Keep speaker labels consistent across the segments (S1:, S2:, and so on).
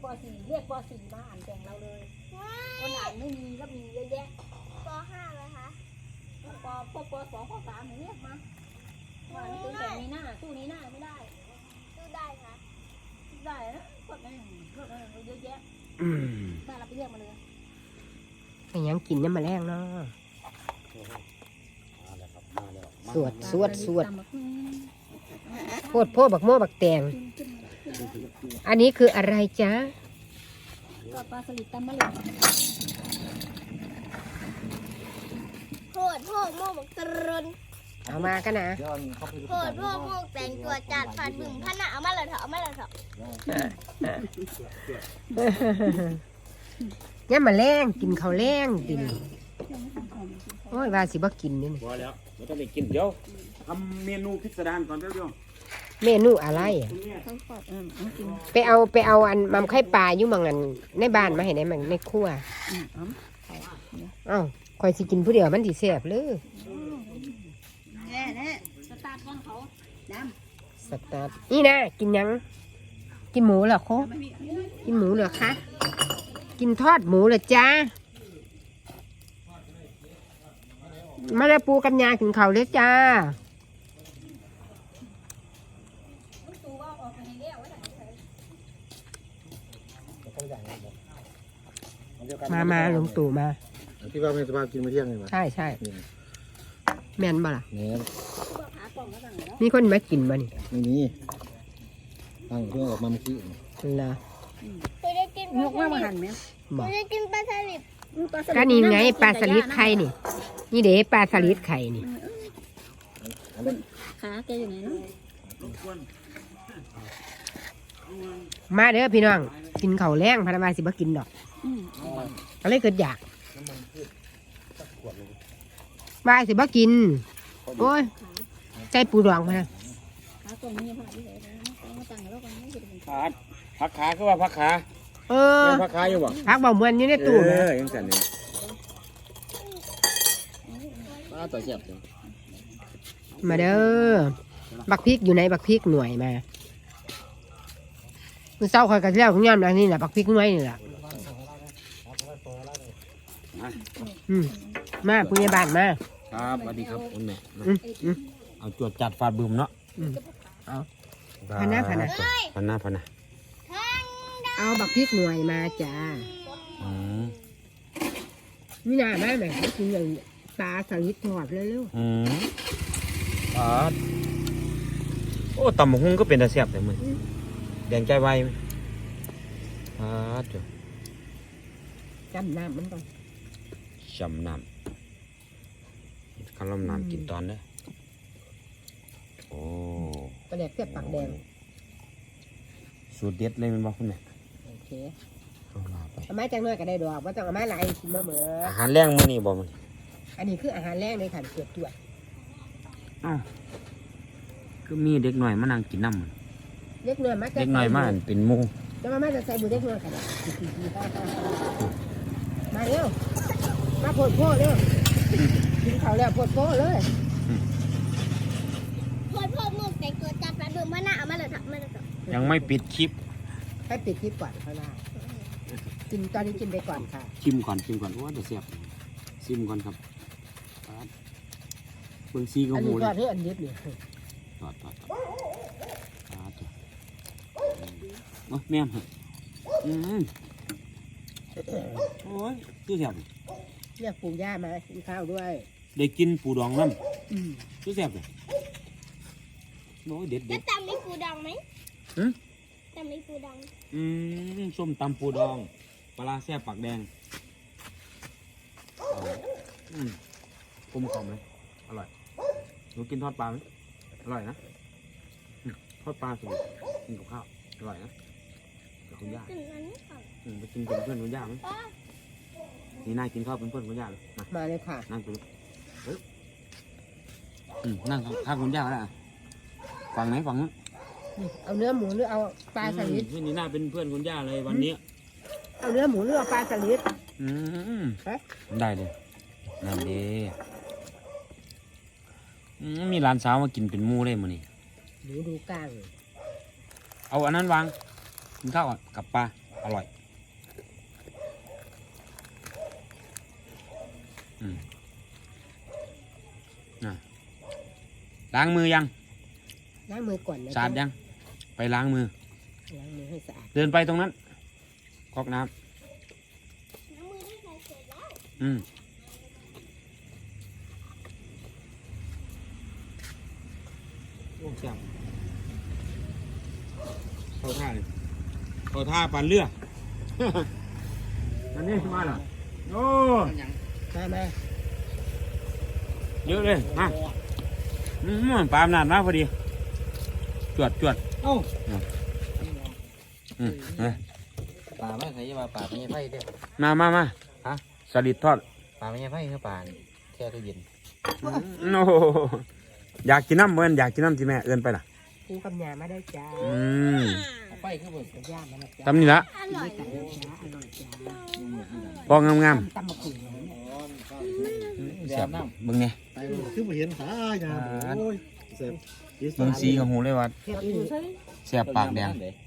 S1: ป .4 เรียกป .4 มาอ่านแข่งเราเลยคนอ่านไม่มีก็มีเยอะแยะ
S2: ป .5 เลยคะ
S1: พวกป .2 ป .3 เรียกมาว่านี่เป็นแต่นี้หน้าสู้นี้หน้าไม่ได้
S2: สู้ได้ค่ะ
S1: ได้นะพวกนั้นเยอะแยะถ้าเราไปเรียกมาเลย
S3: ยังกินน้ำมาแรงเนาะสวดโพดโพบักโม่บักแตงอันนี้คืออะไรจ๊ะ
S1: ก็ปลาสลิดตำมะเร็ง
S2: โพดโม่บักตรน
S3: เอามากันนะ
S2: โพดโม่แต่งตัวจัดฟันบึ้งพนะเอามาเลยเถอะ
S3: เนี่ยมาแรงกินข้าวแรงกินโอ้ยว่าสิบ่กินนี่
S4: พอแล้วไม่ต้องไปกินเดี๋ยวทำเมนูพิสดารก่อนเดี๋ยว
S3: เมนูอะไรอ่ะไปเอาอันมัมไข่ปลาอยู่มังอันในบ้านมาให้ได้มันในครัวอ้าวคอยสิกินผู้เดียวมันสิแซ่บเลย
S1: สตาร์ทของเขาด
S3: ำสตาร์ทนี่นะกินยังกินหมูเหรอโคกินหมูเหรอคะกินทอดหมูเหรอจ้ามาแล้วปูกับยากินข้าวเลยจ้ามาหลวงตู่มา
S4: ที่ว่าเป็นสภาพกินมาเที่ยงเลยมั้ย
S3: ใช่แม่นบ่ล่ะ
S4: แม่น
S3: มีคนมากินบ่นี่
S4: ไม่มีตั้งเพื่อออกมาเมื่อกี้
S3: ล่ะ
S2: เคยได้กิน
S1: ยกมาหั่นไหม
S2: เคยได้กินปลาสลิด
S3: ก็นี่ไงปลาสลิดไข่นี่เด้ปลาสลิดไข่นี่
S1: ขาแกอยู่ไหนเนาะ
S3: มาเด้อพี่น้องกินข้าวแรงพนักงานสิบ่กินดอกอะไรเกิดอยากบ่ายสิบ่กินโอ้ยใจปูดองมา
S4: ผักขาคือว่าผักขาผักขาอยู่บ่
S3: ผักเบาเหมือนอยู่ในตู้
S4: ยังสั่นนี่ต่อเสียบ
S3: มาเด้อบักพริกอยู่ในบักพริกหน่วยมามือเศร้าคอยกระเทียมของย่ำแบบนี้แหละบักพริกหน่วยนี่แหละมาผู้ใหญ่บ้านมา
S4: ครับสวัสดีครับคุณแม่เอาจวดจัดฟาดบึมเนาะ
S3: เอาพนะเอาบักพริกหน่วยมาจ้านี่น่าแม่แม่กินอย่างปลาสลิดทอดเร็ว
S4: ปลาโอ้ตำบักหุ่งก็เป็นตาแซ่บแต่มึงแดงใจไวจ้ะ
S3: จำน้ำมันก่อน
S4: จำน้ำคำลำน้ำกินตอนเด้อโอ้
S3: ปลาแดกเสียบปากแดง
S4: สูตรเด็ดเลยมันบอกคุณแม่
S3: โอเคเอาไม้จังน้อยก็ได้ดอกว่าต้องเอาไม้ลายกินเหมือ
S4: อาหารแรงมื้อนี้บ่มึง
S3: อันนี้คืออาหารแรงในขันเกี๊ยวตัว
S4: ก็มีเด็กหน่อยมานั่งกินน้ำมัน
S3: เด็กหน่อย
S4: มาเป็นหมู
S3: จะมาจะใส่บุเด็กหน่อยกันมาเร็วมาโพดโพเร็วกินข้าวแล้วโพดโพเลย
S2: โพดมุกแต่งตัวจัดฟันบึ้งพนะเอามาเลยเถอะ
S4: ยังไม่ปิดคลิป
S3: ให้ปิดคลิปก่อนข้างหน้ากินตอนนี้กินไปก่อนค่ะ
S4: ชิมก่อนว่าจะเสียบชิมก่อนครับเบิ่งซีกับหมูเลย
S3: อันนี้อันเย็บเลย
S4: ทอดแม่มโอ้ยตู้เสียบ
S3: เรียกปู่ย่ามากินข้าวด้วย
S4: ได้กินปูดองน้ำตู้เสียบเลยโอ้ยเด็ด
S2: จะตำมีปูดองไหมตำมีปูดอง
S4: ส้มตำปูดองปลาแซ่บปากแดงกลมกล่อมเลยอร่อยหนูกินทอดปลาไหมอร่อยนะทอดปลาสุดกินกับข้าวอร่อยนะกับคุณย่าไปกินเป็นเพื่อนคุณย่าไหมนี่น่ากินข้าวเป็นเพื่อนคุณย่าเลย
S3: มาเลยค่ะ
S4: นั่งดูนั่งข้าวคุณย่าแล้วฝั่งไหนฝั่งนู้น
S3: เอาเนื้อหมูหรือเอาปลาสลิด
S4: นี่น่าเป็นเพื่อนคุณย่าเลยวันนี้
S3: เอาเนื้อหมูหรือเอาปลาสลิด
S4: ได้เลยนั่นดีมีร้านสาวมากินเป็นหมูได้มั้ยนี่
S3: ดูกลาง
S4: เอาอันนั้นวางกินข้าวกับปลาอร่อยล้างมือยัง
S3: ล้างมือก่อนนะ
S4: สะอาดยังไปล้างมือ
S3: ล้างมือให้สะอาด
S4: เดินไปตรงนั้นก๊อกน้ำ
S2: น้ำมือที่ใส่เสร็จแล้ว
S4: โอ้จับเข้าท่าเลยเข้าท่าปั่นเรือ อันนี้มาเหรอโอ้
S3: มา
S4: เยอะเลยมาปลาอำนาจมาพอดีจวด
S5: เอ้า
S4: มา
S5: ป่าไม่ใช่ว่าป่าไม่ใช่ไฟเด้อ
S4: มาฮะสลิดทอด
S5: ป่าไม่ใช่ไฟคือป่าแช่ตู้เย็น
S4: โอ้อยากกินน้ำเหมือนอยากกินน้ำที่แม่เอื้อนไปล่ะ
S3: ปูกับยามาได้จ้า
S5: ไฟคือบ่
S3: กับย่ามาแล้วจ้า
S4: ทำนี่ละ
S2: อร่อย
S3: กันนะจ้าอร่อยจ้า
S4: พองาม
S3: ตำมะขุ่น
S4: ๆเสียบเบิ่งเนี่ย
S5: ไปคือบ่เห็นสายาโอ้ยเสพ
S4: เบิ่งสีของหูเลยว่า
S3: เทียบอยู่
S4: เสียบปากแดง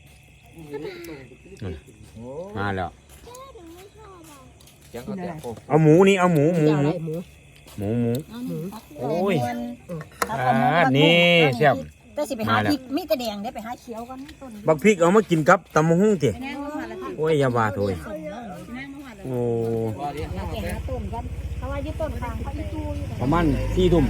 S4: มาแล้ว
S2: หนูไม่ชอบอ่ะ
S5: ยังก็แต่โอ้
S4: เอาหมูนี่เอาหมู
S3: เจ้าอะไรหมู
S4: โอ้ย
S1: ครับ
S4: นี่เสียบ
S1: แต่สิไปหาพริกมีแต่แดงได้ไปหาเขียวกันต้น
S4: บักพริกเอามากินกับตำมะฮุ่งติ
S1: แน่นอนละที่
S4: โอ้ยอย่าว่าโถย
S1: แน่นอนละ
S4: โอ้
S5: ว่าดิ
S1: ไปหาต้นกันเพราะว่าที่ต้นฟางเขาอีตู้อยู่
S4: ประมาณ4 ทุ่ม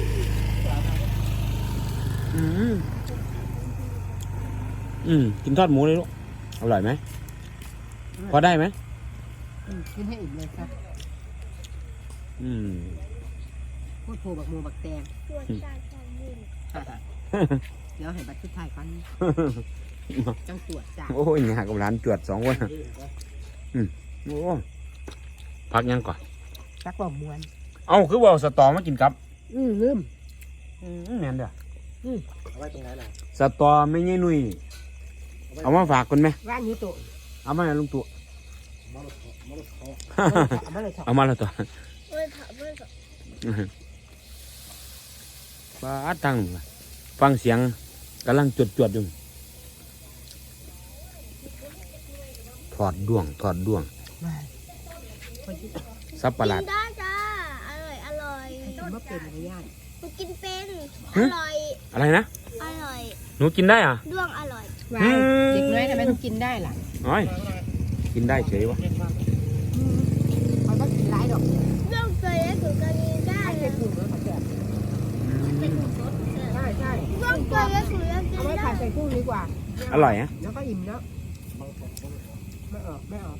S4: กินทอดหมูเลยลูกอร่อยไหมพอได้ไหม
S3: กินให้อิ่มเลยครับพูดโผบักหมูบักแตง
S2: ตัวจานจานยืน
S3: เดี๋ยวให้บัตรชุดไทยกันจังตรวจจ้า
S4: โอ้ยเนี่ยกับร้านจวด2 คนโอ้พักยังก่อน
S3: จักบ่มวน
S4: เอ้าคือว่าเอาสตอมากินกับ
S3: ลืม
S4: แม่นเด้อ
S5: เอาไว้ตรงไหนล่ะ
S4: สตอไม่ใช่นุ่ยเอามาฝากคนไหม
S3: ว่านอยู่โต
S4: เอามาให้ลุงตู่
S3: เอามาเลยครับ
S4: เอามาแล้วตัว
S2: เว้ยค่ะเว้ยค่ะ
S4: ป้าตั้งฟังเสียงกำลังจวดอยู่ถอดดวงสับประหลาด
S2: กินได้จ้าอร่อย
S3: กินว่าเป็นอะไรย่าน
S2: หนูกินเป็นอ
S4: หึ
S2: ร่อย
S4: อะไรนะ
S2: อร่อย
S4: หนูกินได้อ่ะ
S2: ด้วงอร่อย
S3: วายเด็กน้อยทำไมต้องกินได้ล่ะ
S4: น้อยกินได้เฉยวะ
S3: เขาต้องกินหลายดอก
S2: ด้วงตัวเล็กหนูก็กินได้
S3: ใช้ถุงแล้วเขาแจกใช่
S2: ด้วงตัวเล็กหนูก็กิ
S3: เอา
S2: น
S3: ไว้
S2: ได้
S3: ผัดใส่กุ้งดีกว่า
S4: อร่อยนะ
S3: แล้วก็อิ่มแล้วไม่ออก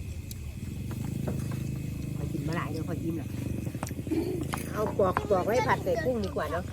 S3: พอกินมาหลายเดี๋ยวพออิ่มละเอาปอกไว้ผัดใส่กุ้งดีกว่าเนาะ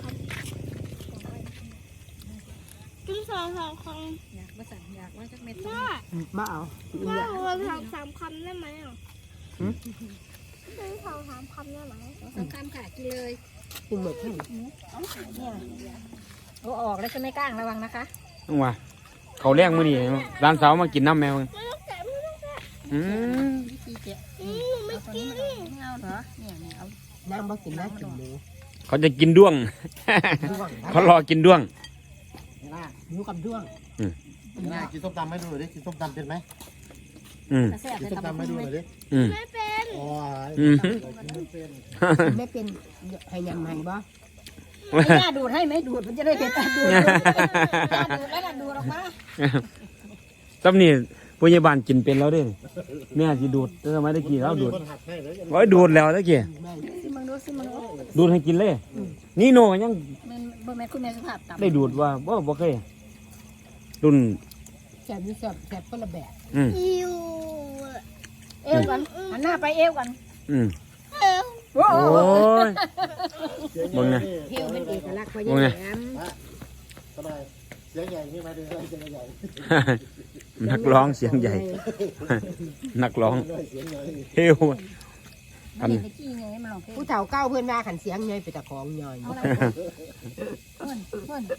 S2: กินสองคำ
S1: อยากว่าสั่งอยากว่าจักเม็ด
S2: แม่
S3: มาเอา
S2: แม่รวมสามคำได้ไหมอ่ะกินสามคำได้ไหม
S1: สำค่ะกินเลย
S3: กินหมดที่
S1: เนี่ยเอาออกแล้วจะไม่กล้างระวังนะคะ
S4: ต้องว่าเขาแรกมื้อนี้ร้านสาวมากินน้ำแมว
S2: ไม่ต้องแกะไม่ต้องแกะ
S1: วิธีเจ๊
S2: หนูไม่กิน
S1: ไม่เอาเหรอเนี่ยเอา
S3: น้ำบ่กินน้ำกินหมู
S4: เขาจะกินด้วง
S3: ด้วง
S4: เขารอกินด้วง
S3: หมูกับด้วง
S5: น่ากินส้มตำให้ดูหน่อยดิกินส้มตำเป็นไหม
S1: แซ่บ
S5: กิน
S1: แต่
S5: ส้ม
S1: ตำ
S5: ตำให้ดูหน่อยดิ
S2: ไม่เป็น
S5: โอ้ย
S3: ไม่เป็นให้ยำให้บ่
S1: ไม่น่าดูดให้ไหมดูดมันจะได้เผ็ดดูดแล้วน่ะดูดออกมา
S4: ตำนี่พยาบาลกินเป็นแล้วเด้แม่สิดูดแต่ทำไมตะกี้เราดูด
S5: คนหักให้เลย
S4: โอ้ยดูดแล้วตะกี้
S1: ซิมังดูซิมังดู
S4: ดูดให้กินเลย นี่โนยัง
S1: มันบ่แม่นคุณแม่สุภาพต่ำ
S4: ได้ดูดว่าบ่เคยรุ่น
S3: แซ่บนี่แซ่บคนละแบบ
S2: อิว
S1: เอวกันหันหน้าไปเอวกัน
S2: เอว
S1: โอ้
S4: โอ้ยมึงไง
S3: เที่ยวเป็นเอกลักษณ์เพราะ
S4: โอ้ย
S3: ยังแหม
S5: สบายเสียงใหญ่นี่มาดูเสียงใหญ่
S4: นักร้องเสียงใหญ่ นักร้อง
S5: เสียงใหญ่
S4: เฮว
S1: อันนี้ขี้ไงมันลองเพลง
S3: ผู้เฒ่าเก้าเพื่อนว่าขันเสียงเงยไปตะของย่อย
S1: เอาละเพื่อน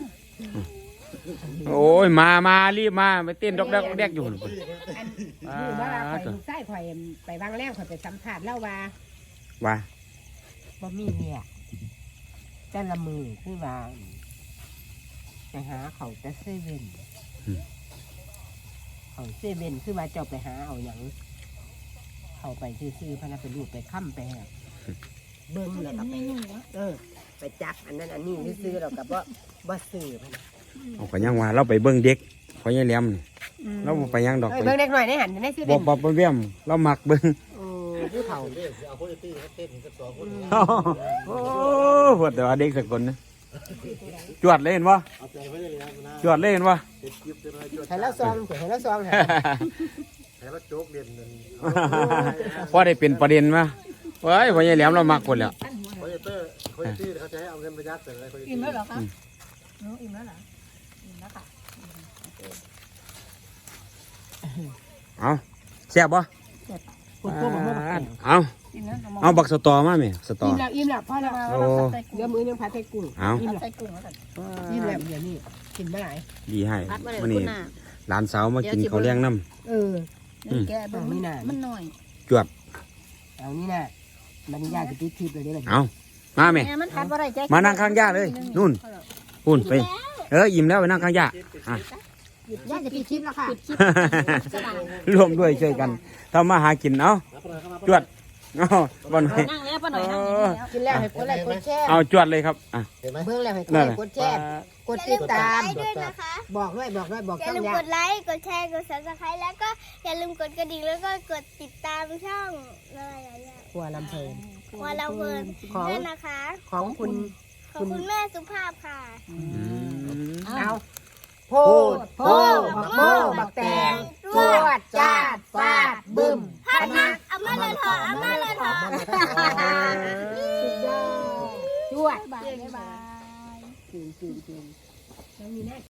S4: โอ้ยมารีบมาไปเต้นดอกแดกดอกแดกอยู่พุ่น
S3: อันนี้ว่าข่อยใส่ข่อยไปวางแรกข่อยไปสัมผัสแล้วว่า
S4: ว่า
S3: บ่มีเนี่ยแต่ละมือคือว่าไปหาเขาแต่เซเว่นเขาเขาเซเว่นคือว่าเจ้าไปหาเอาหยังเข้าไปซื้อๆพะนะไปรูดไปค้ำไปหาเบิ่งแล้วก็ไปไปจับอันนั้นอันนี้ซื้อแล้วก็บ่ซื้อพะนะ
S4: เอาไปยังว่าเราไปเบิ่งเด็กพอยายแหลมนี่เราบ่ไปยังดอก
S3: เบิ่งเด็กหน่อยในหันในซื้อ
S4: บ่
S3: เป็น
S4: บ่เบี้ยมเรามักเบิ่ง
S3: โอ้ผู้เฒ่า
S5: เล่นเอาโคตรตี้เต้นกัน 2 คน
S4: โอ้โหแต่ว่าเด็กสักคนนะจวดเลยเห็นบ่
S5: เอาใจไว้เลยนะ
S4: จวดเลยเห็นบ่
S5: เด็กยิบจะมาจวด
S3: ให้แล้วซองให้แล้วซองหา
S5: ให้เราโจ๊กเรียนนั่น
S4: พอได้เป็นประเด็นมาเว้ยพอยายแหลมเรามักคนแล้ว
S5: โคตรตี้เขาจะให้เอาเงินไปยัดแต่อะไรโคตรตี้
S1: อิ่มแล้วเหรอคะหนูอิ่มแล้วเหรออิ่มแล้วค่ะ
S4: เอาแซ่บบ่
S3: คนพวกมันบ่มา
S4: เอา
S1: อิ่มแล้ว
S4: เอาบักสตอมาแม่สตอ
S3: อิ่มแล้วพ่อแล้ว
S4: โอ้
S3: เดี๋ยวมื้อนึงผัดไทยกุ้ง
S4: เอา
S3: อิ่มแล้ว
S1: ใส่กุ้งแล้วกัน
S3: อิ่มแล้วเดี๋ยวนี้กินบ่หลาย
S4: ดีให้
S1: พัดมาเลย
S4: มื้อ
S1: คุ
S4: นี้
S1: ณน่ะ
S4: หลานสาวมากินข้าวเลี้ยงน้ำ
S3: เออ
S1: นี่แกเบิ่งมันหน่อย
S4: จวด
S3: เอานี่น่ะมันยากจะปิดคลิปเลยเด้อ
S4: เอามาแม่
S1: แม่มันพัดบ่ได้ใจ
S4: มานั่งข้างย่าเลยนู่นพุ่นไปอิ่มแล้วไปนั่งข้างย่าอ่ะ
S3: ยากจะปิดคลิปแล้วค่ะ
S4: ร่วมด้วยช่วยกันทำมาหากินเอาจวดเอาบอล
S1: นั่งแล้วป้าหน่อยนั่งแล้ว
S3: กินแล้วให้กดไลค์กดแชร์
S4: เอาจวดเลยครับอ่ะ
S5: เห็นไหม
S3: เบิ่งแล้วให้กด
S4: นั่
S3: ไล
S4: นแหละ
S3: ค์กดแชร์กดติดตาม
S2: ด้วยนะคะ
S3: บอกด้วยบอก
S2: อย่า
S3: ช่อง
S2: ลืม
S3: ยาก
S2: ดไลค์ กดแชร์ กด subscribe แล้วก็อย่าลืมกดกระดิ่งแล้วก็กดติดตามช่องอะไรอย่าง
S3: ครัวลำเพลิน
S2: วาเราเพลิน
S3: ของ
S2: ด้วยนะคะ
S3: ของคุณ
S2: ขอบคุณแม่สุภาพค่ะ
S3: เอาโพดโพบักโมบักแตงจวดจาดฟาดบึ้ม
S2: พัดมาเอามาเลยเถอะเอามาเลยเถอะ
S3: สุดยอดจวด
S1: บ๊ายบาย
S3: จริงแล้วมีแน่